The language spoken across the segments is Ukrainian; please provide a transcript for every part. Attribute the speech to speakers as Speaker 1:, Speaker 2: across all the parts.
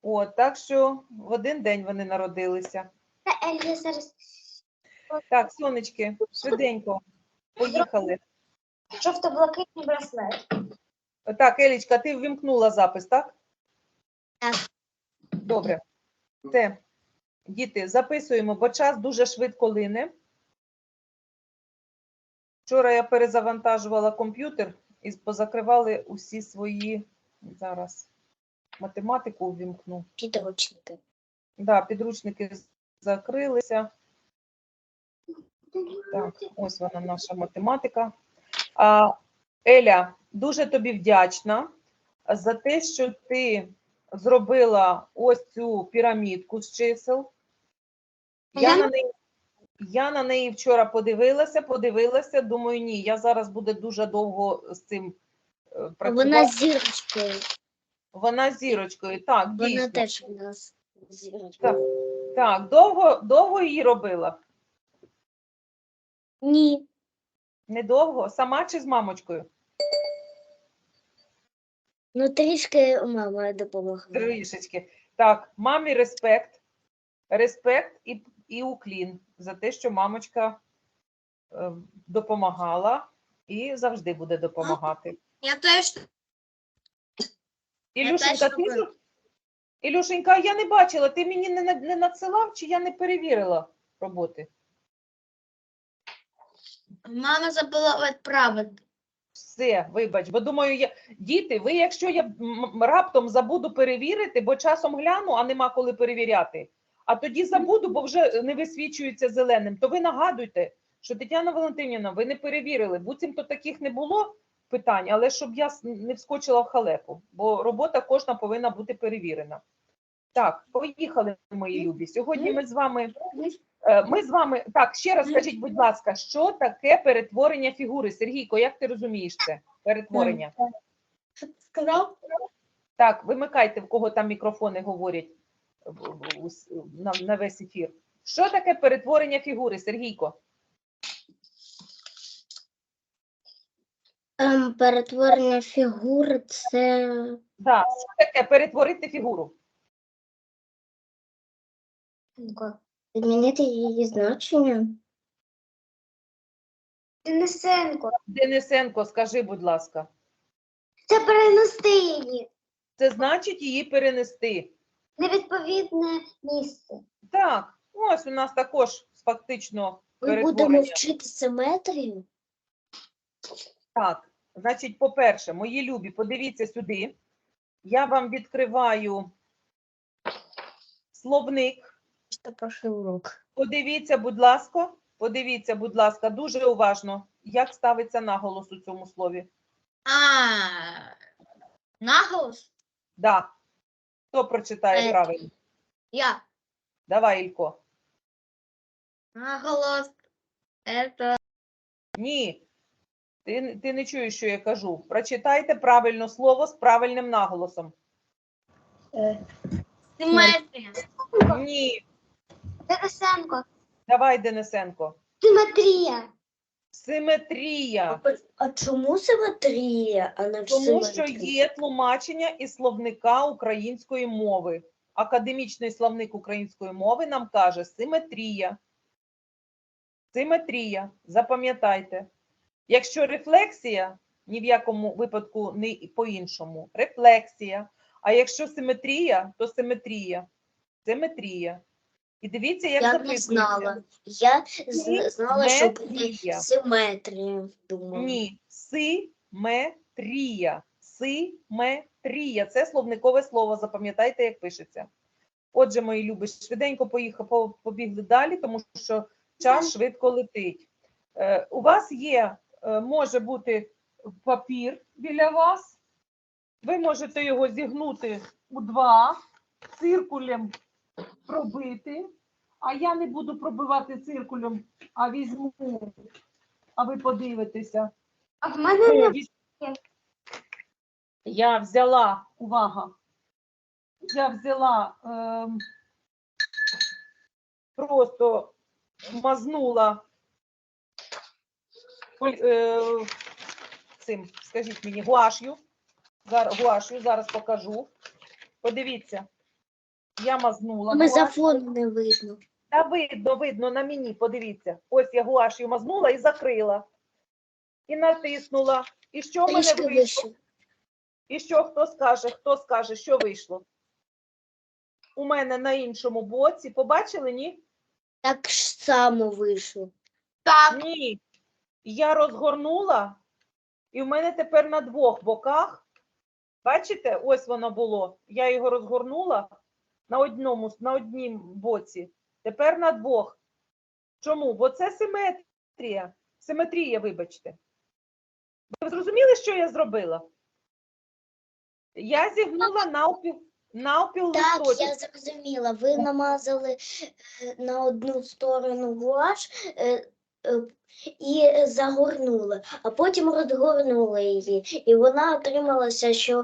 Speaker 1: От, так що в один день вони народилися.
Speaker 2: Я зараз
Speaker 1: Так, сонечки, швиденько, поїхали.
Speaker 2: жовто-блакитний браслет.
Speaker 1: Так, Елічка, ти ввімкнула запис, так?
Speaker 2: Так.
Speaker 1: Добре. Все, діти, записуємо, бо час дуже швидко лине. Вчора я перезавантажувала комп'ютер і позакривали усі свої, зараз, математику ввімкну.
Speaker 2: Підручники.
Speaker 1: Да, підручники закрилися. Так, ось вона наша математика. Еля, дуже тобі вдячна за те, що ти зробила ось цю пірамідку з чисел. Я на неї вчора подивилася, думаю, ні, я зараз буду дуже довго з цим працювати.
Speaker 2: Вона з зірочкою.
Speaker 1: Вона з зірочкою, так, дійсно.
Speaker 2: Вона теж у нас з зірочкою.
Speaker 1: Так, довго її робила?
Speaker 2: Ні.
Speaker 1: Недовго? Сама чи з мамочкою?
Speaker 2: Ну, трішки мама допомогла.
Speaker 1: Трішечки. Так, мамі респект. Респект і уклін за те, що мамочка допомагала і завжди буде допомагати.
Speaker 2: Я теж.
Speaker 1: Ілюшенька, я не бачила, ти мені не надсилав, чи я не перевірила роботи?
Speaker 2: Мама забула відправити.
Speaker 1: Все, вибач, бо думаю, діти, ви, якщо я раптом забуду перевірити, бо часом гляну, а нема коли перевіряти, а тоді забуду, бо вже не висвічується зеленим, то ви нагадуйте, що Тетяна Валентинівна, ви не перевірили, буцімто таких не було питань, але щоб я не вскочила в халепу, бо робота кожна повинна бути перевірена. Так, поїхали, мої любі. Сьогодні ми з вами, так, ще раз скажіть, будь ласка, що таке перетворення фігури? Сергійко, як ти розумієш це, перетворення?
Speaker 2: Що ти сказав?
Speaker 1: Так, вимикайте, в кого там мікрофони говорять на весь ефір. Що таке перетворення фігури, Сергійко?
Speaker 2: Перетворення фігури – це…
Speaker 1: Так, що таке перетворити фігуру?
Speaker 2: Змінити її значення.
Speaker 1: Денисенко, скажи, будь ласка.
Speaker 2: Це перенести її.
Speaker 1: Це значить її перенести.
Speaker 2: Невідповідне місце.
Speaker 1: Так, ось у нас також фактично
Speaker 2: Ми
Speaker 1: перетворення.
Speaker 2: будемо вчити симетрію.
Speaker 1: Так, значить, по-перше, мої любі, подивіться сюди. Я вам відкриваю словник.
Speaker 2: Це прошлий урок.
Speaker 1: Подивіться, будь ласка, дуже уважно, як ставиться наголос у цьому слові.
Speaker 2: Наголос?
Speaker 1: Да. Хто прочитає правильно?
Speaker 2: Я.
Speaker 1: Давай, Ілько.
Speaker 2: Наголос. Это…
Speaker 1: Ні. Ти не чуєш, що я кажу. Прочитайте правильно слово з правильним наголосом.
Speaker 2: Симетрія.
Speaker 1: Ні.
Speaker 2: Денисенко.
Speaker 1: Давай, Денисенко.
Speaker 2: Симетрія.
Speaker 1: Симетрія.
Speaker 2: А чому симетрія, а не
Speaker 1: Тому що є тлумачення із словника української мови. Академічний словник української мови нам каже симетрія. Симетрія. Запам'ятайте. Якщо рефлексія, ні в якому випадку не по-іншому. Рефлексія. А якщо симетрія, то симетрія. Симетрія. І дивіться, як записується.
Speaker 2: Я знала, що буде симетрія.
Speaker 1: Ні. Симетрія. Симетрія. Це словникове слово. Запам'ятайте, як пишеться. Отже, мої любі, швиденько побігли далі, тому що час швидко летить. У вас є, може бути папір біля вас. Ви можете його зігнути у два, циркулем пробити. А я не буду пробивати циркулем, а візьму, а ви подивитеся.
Speaker 2: А в мене не…
Speaker 1: Я взяла, увага, я взяла, просто мазнула цим, скажіть мені, гуаш'ю. Зараз покажу. Подивіться, Я мазнула.
Speaker 2: Ми за
Speaker 1: гуаш'ю.
Speaker 2: фон не видно.
Speaker 1: Та видно, видно на мені, подивіться. Ось я гуаш'ю мазнула і закрила. І натиснула. І що в мене
Speaker 2: Трішки
Speaker 1: вийшло?
Speaker 2: вище.
Speaker 1: І що, хто скаже, що вийшло? У мене на іншому боці. Побачили, ні?
Speaker 2: Так ж само вийшло.
Speaker 1: Ні. Я розгорнула, і в мене тепер на двох боках, бачите, ось воно було. Я його розгорнула на однім боці. Тепер на двох. Чому? Бо це симетрія. Симетрія, вибачте. Ви зрозуміли, що я зробила? Я зігнула навпіл
Speaker 2: Так,
Speaker 1: листочок.
Speaker 2: я зрозуміла. Ви намазали на одну сторону гуаш і загорнули, а потім розгорнули її. І вона отрималася, що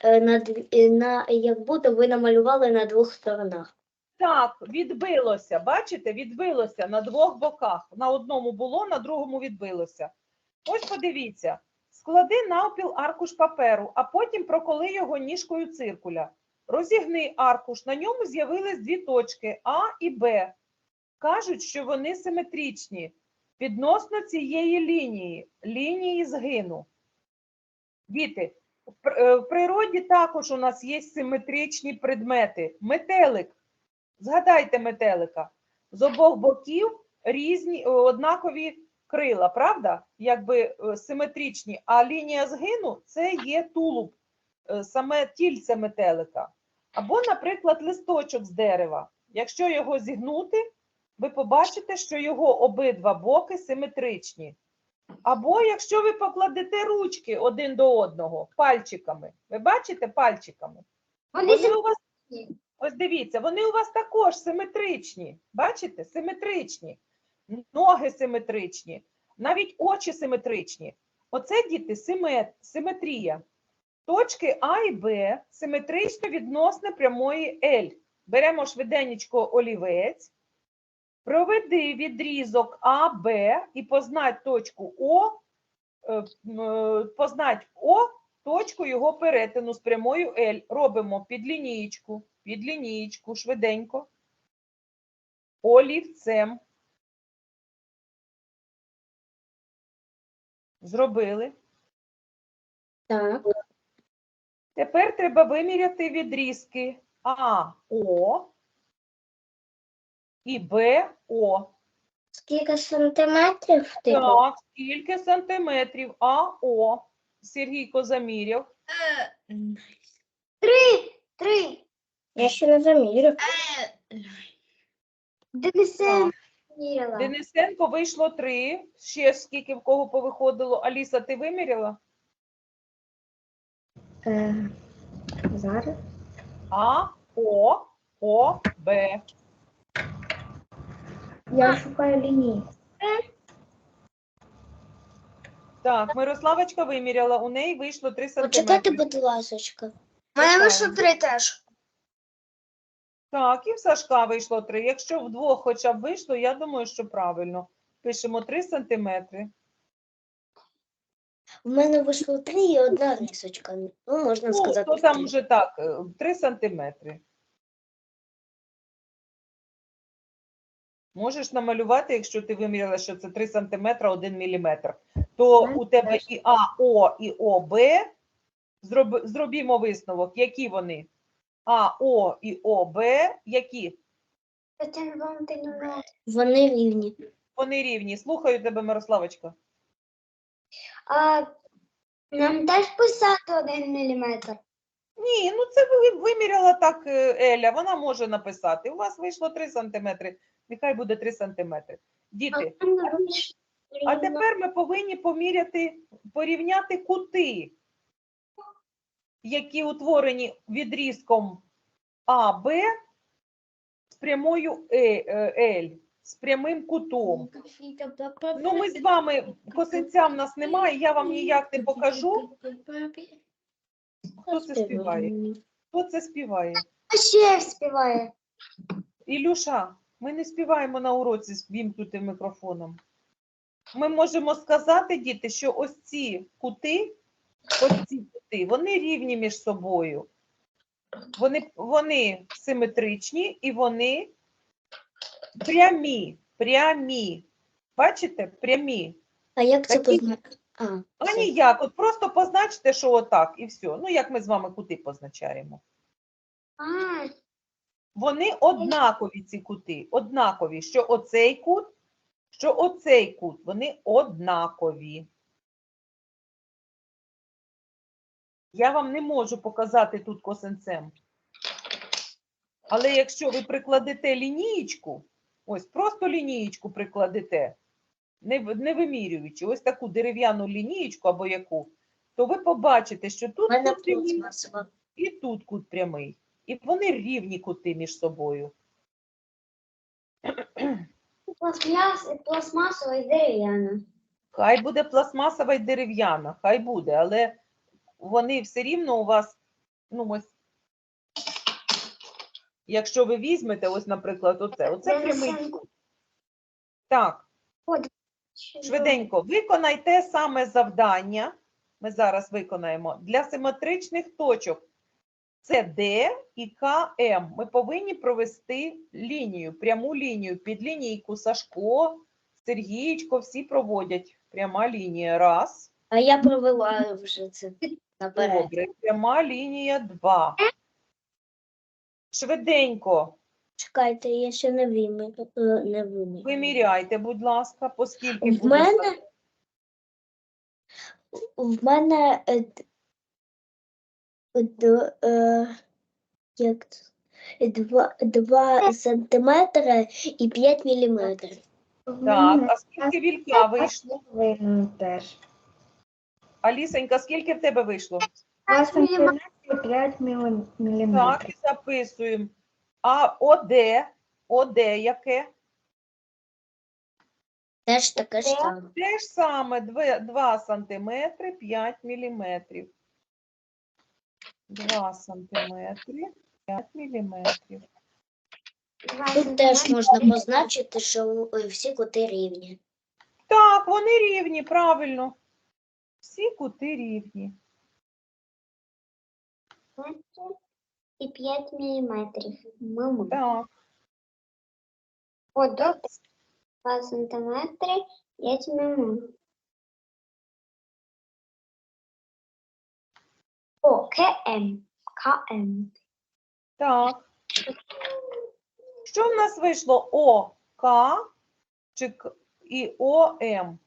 Speaker 2: як будто ви намалювали на двох сторонах.
Speaker 1: Так, відбилося, бачите, відбилося на двох боках. На одному було, на другому відбилося. Ось подивіться, склади навпіл аркуш паперу, а потім проколи його ніжкою циркуля. Розігни аркуш, на ньому з'явились дві точки А і Б. Кажуть, що вони симетричні відносно цієї лінії згину. Діти, в природі також у нас є симетричні предмети. Метелик. Згадайте метелика. З обох боків різні, однакові крила, правда? Якби симетричні. А лінія згину – це є тулуб, саме тільце метелика. Або, наприклад, листочок з дерева. Якщо його зігнути, ви побачите, що його обидва боки симетричні. Або якщо ви покладете ручки один до одного пальчиками. Ви бачите пальчиками? Вони у вас... Ось дивіться, вони у вас також симетричні. Бачите? Симетричні. Ноги симетричні. Навіть очі симетричні. Оце, діти, симетрія. Точки А і Б симетрично відносно прямої L. Беремо швиденечко олівець. Проведи відрізок АБ і познать точку О, точку його перетину з прямою L. Робимо під лінієчку, швиденько, олівцем. Зробили.
Speaker 2: Так.
Speaker 1: Тепер треба виміряти відрізки АО і БО.
Speaker 2: Скільки сантиметрів ти?
Speaker 1: Так, скільки сантиметрів АО? Сергійко заміряв.
Speaker 2: 3. Я ще не заміряв. Денисенко міряла.
Speaker 1: Денисенко вийшло 3. Ще скільки в кого повиходило? Аліса, ти виміряла?
Speaker 2: Зараз.
Speaker 1: АО, Б.
Speaker 2: Я шукаю лінії.
Speaker 1: Так, Мирославочка виміряла, у неї вийшло 3
Speaker 2: Почекайте,
Speaker 1: сантиметри.
Speaker 2: будь ласочка.
Speaker 1: У мене вийшло
Speaker 2: 3 теж.
Speaker 1: Так, і в Сашка вийшло 3. Якщо вдвох хоча б вийшло, я думаю, що правильно. Пишемо 3 сантиметри.
Speaker 2: У мене вийшло 3 і одна рисочка. Ну, можна сказати.
Speaker 1: То там
Speaker 2: 3.
Speaker 1: вже так, 3 сантиметри. Можеш намалювати, якщо ти виміряла, що це 3 сантиметра 1 міліметр. То у тебе і АО, і ОБ, зробімо висновок, які вони? АО і ОБ, які?
Speaker 2: Вони рівні.
Speaker 1: Вони рівні. Слухаю тебе, Мирославочка.
Speaker 2: А нам теж писати 1 міліметр?
Speaker 1: Ні, ну це виміряла так Еля, вона може написати. У вас вийшло 3 сантиметри, нехай буде 3 сантиметри. Діти, а тепер ми повинні порівняти кути, які утворені відрізком АБ з прямою L, з прямим кутом. Ну, ми з вами, косинця в нас немає, я вам ніяк не покажу. Хто це співає? Хто це співає?
Speaker 2: Ще співає.
Speaker 1: Ілюша, ми не співаємо на уроці з вімкнутим мікрофоном. Ми можемо сказати, діти, що ось ці кути, вони рівні між собою. Вони симетричні і вони прямі. Бачите? Прямі.
Speaker 2: А як це
Speaker 1: Такі-
Speaker 2: позначити?
Speaker 1: А
Speaker 2: Все.
Speaker 1: ніяк, от просто позначте, що отак, і все. Ну, як ми з вами кути позначаємо. Вони однакові, ці кути, однакові, що оцей кут, що оцей кут, вони однакові. Я вам не можу показати тут косинцем. Але якщо ви прикладете лінієчку, ось просто лінієчку прикладете, не вимірюючи, ось таку дерев'яну лінієчку або яку, то ви побачите, що
Speaker 2: У
Speaker 1: тут
Speaker 2: мене
Speaker 1: кут прямий
Speaker 2: пластмасова.
Speaker 1: і тут кут прямий. І вони рівні кути між собою.
Speaker 2: Пластмасова і дерев'яна.
Speaker 1: Хай буде пластмасова і дерев'яна, хай буде, але вони все рівно у вас, ну ось, якщо ви візьмете, ось, наприклад, оце прямий кут. Так, швиденько, виконайте саме завдання, ми зараз виконаємо, для симетричних точок. Це Д і КМ. Ми повинні провести лінію, пряму лінію, під лінійку Сашко, Сергієчко, всі проводять. Пряма лінія, раз.
Speaker 2: А я провела вже це наперед.
Speaker 1: Добре, пряма лінія, два. Швиденько
Speaker 2: Чекайте, я ще не вимірю.
Speaker 1: виміряйте, будь ласка, поскільки
Speaker 2: В
Speaker 1: буде.
Speaker 2: мене як це? 2 сантиметри і 5 міліметрів.
Speaker 1: Так, а скільки вілька вийшло?
Speaker 3: Теж.
Speaker 1: Алісенька, скільки в тебе вийшло?
Speaker 3: 2 сантиметри 5 міліметрів.
Speaker 1: Так, і записуємо. А ОД яке?
Speaker 2: Теж таке ж саме.
Speaker 1: Те ж саме, 2 сантиметри, 5 міліметрів. 2 сантиметри, 5 міліметрів.
Speaker 2: Тут теж можна позначити, що всі кути рівні.
Speaker 1: Так, вони рівні, правильно. Всі кути рівні.
Speaker 2: І 5 міліметрів. Мама.
Speaker 1: Так.
Speaker 2: О, добре. 2 сантиметри, 5 міліметрів. О, КМ. КМ.
Speaker 1: Так. Що в нас вийшло? ОК і ОМ?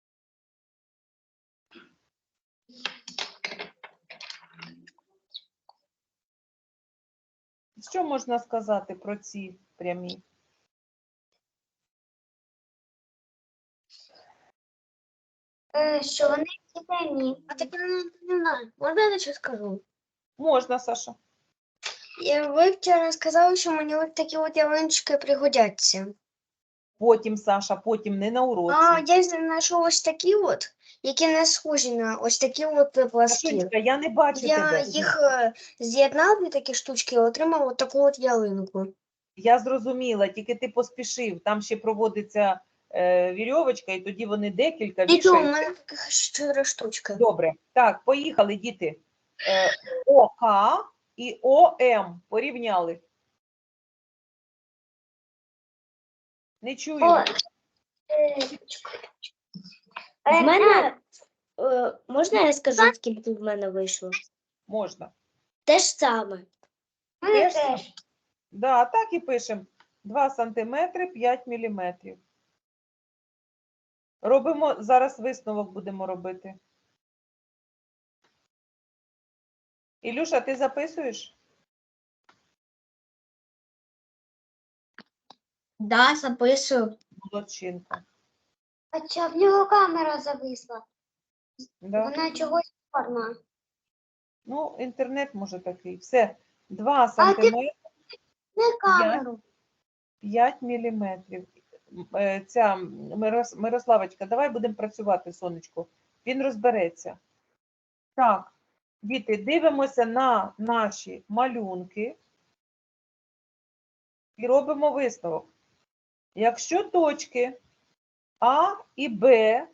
Speaker 1: Що можна сказати про ці прямі?
Speaker 2: Що вони всі прямі. А так не знаю. Можна я щось скажу?
Speaker 1: Можна, Саша.
Speaker 2: Ви вчора сказали, що мені ось такі от ялиночки пригодяться.
Speaker 1: Потім, Саша, потім, не на уроці.
Speaker 2: Я знайшов ось такі от, які не схожі на ось такі от пласкі.
Speaker 1: Сашунечка, я не бачу тебе.
Speaker 2: Я їх з'єднав, дві такі штучки, і отримав от таку от ялинку.
Speaker 1: Я зрозуміла, тільки ти поспішив. Там ще проводиться вірьовочка, і тоді вони декілька
Speaker 2: Нічого, у
Speaker 1: вішають.
Speaker 2: мене таких 4 штучки.
Speaker 1: Добре. Так, поїхали, діти. ОК і ОМ порівняли. Не чую.
Speaker 2: В мене, можна я скажу, скільки в мене вийшло?
Speaker 1: Можна.
Speaker 2: Те ж саме.
Speaker 1: Теж? Да, так і пишемо. 2 сантиметри, 5 міліметрів. Робимо, зараз висновок будемо робити. Ілюша, ти записуєш?
Speaker 2: Да, записую.
Speaker 1: Молодчинка.
Speaker 2: А чого в нього камера зависла?
Speaker 1: Да?
Speaker 2: Вона чогось чорна.
Speaker 1: Ну, інтернет може такий. Все. 2 сантиметри,
Speaker 2: Не камеру.
Speaker 1: 5 міліметрів. Ця Мирославочка, давай будемо працювати, сонечко. Він розбереться. Так, діти, дивимося на наші малюнки і робимо висновок. Якщо точки А і Б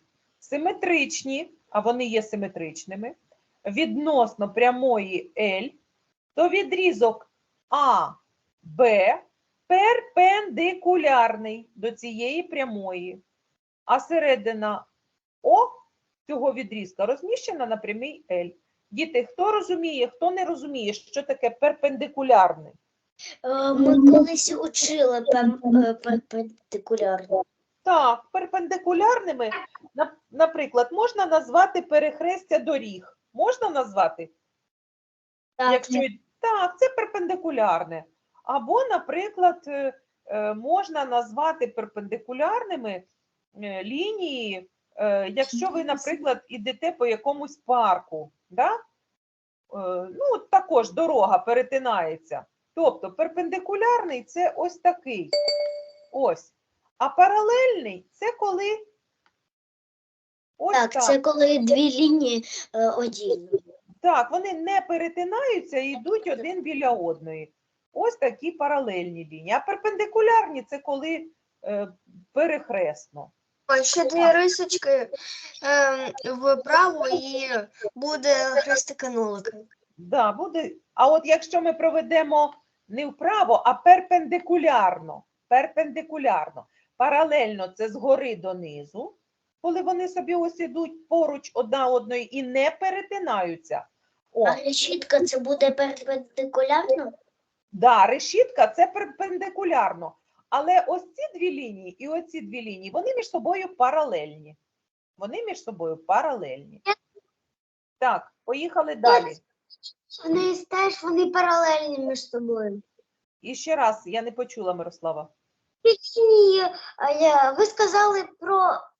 Speaker 1: симетричні, а вони є симетричними, відносно прямої L, то відрізок АБ перпендикулярний до цієї прямої, а середина О цього відрізка розміщена на прямій L. Діти, хто розуміє, хто не розуміє, що таке перпендикулярний?
Speaker 2: Ми колись учили перпендикулярно.
Speaker 1: Так, перпендикулярними, наприклад, можна назвати перехрестя доріг. Можна назвати? Якщо так, це перпендикулярне. Або, наприклад, можна назвати перпендикулярними лінії, якщо ви, наприклад, ідете по якомусь парку, да? Ну, також дорога перетинається. Тобто перпендикулярний – це ось такий. Ось. А паралельний – це коли ось
Speaker 2: Так,
Speaker 1: так.
Speaker 2: це коли дві лінії одільні.
Speaker 1: Так, вони не перетинаються і йдуть один біля одної. Ось такі паралельні лінії. А перпендикулярні – це коли перехресно.
Speaker 4: Ще дві рисочки вправо і буде хрестики-нулики.
Speaker 1: Да, буде. А от якщо ми проведемо не вправо, а перпендикулярно, паралельно – це згори донизу, коли вони собі ось ідуть поруч одна одної і не перетинаються. О,
Speaker 2: А решітка це буде перпендикулярно?
Speaker 1: да, решітка – це перпендикулярно. Але ось ці дві лінії і оці дві лінії, вони між собою паралельні. Вони між собою паралельні. Так, поїхали далі.
Speaker 4: Вони паралельні між собою.
Speaker 1: І ще раз, я не почула, Мирослава.
Speaker 4: Ви сказали про